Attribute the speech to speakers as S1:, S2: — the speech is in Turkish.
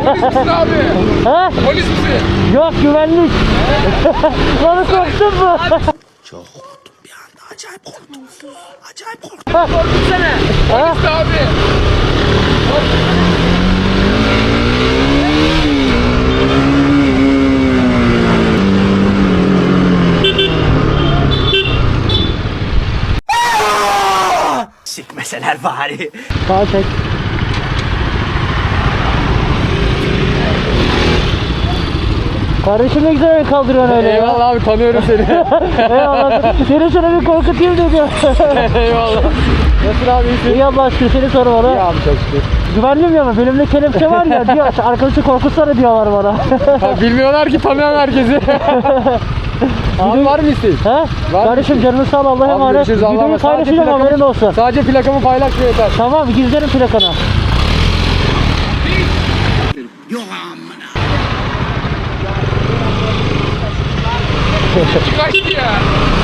S1: Polis misin abi?
S2: Ha?
S1: Polis misin?
S2: Yok, güvenlik. Bana korktun mu?
S3: Çok korktum bir anda. Acayip korktum. Acayip korktum.
S1: Korkutsana. Polis abi.
S3: Sikmeseler bari.
S2: Sağ çek. Kardeşim ne güzel el kaldırıyorsun öyle ya.
S1: Eyvallah abi, tanıyorum seni.
S2: Eyvallah. Seni şöyle bir korkutayım dedim.
S1: Eyvallah. Nasılsın abi, iyisin?
S2: İyi Allah aşkına, seni sormalı.
S1: İyi abi, çok şükür.
S2: Güvenliyim ya, benimle kelepçe var ya diyor, arkadaşı korkutsana diyorlar bana.
S1: Ha, bilmiyorlar ki, tanıyan herkesi. Abi var mı isteğin?
S2: He?
S1: Var
S2: Kardeşim canını sağ ol, Allah'a
S1: Abi
S2: emanet.
S1: görüşürüz, Allah'a
S2: Videoyu
S1: emanet. Sadece
S2: paylaşacağım, haberin olsun.
S1: Sadece plakamı paylaş yeter.
S2: Tamam, gizlerim plakanı.
S3: Yok amına.
S1: Kaçtı ya.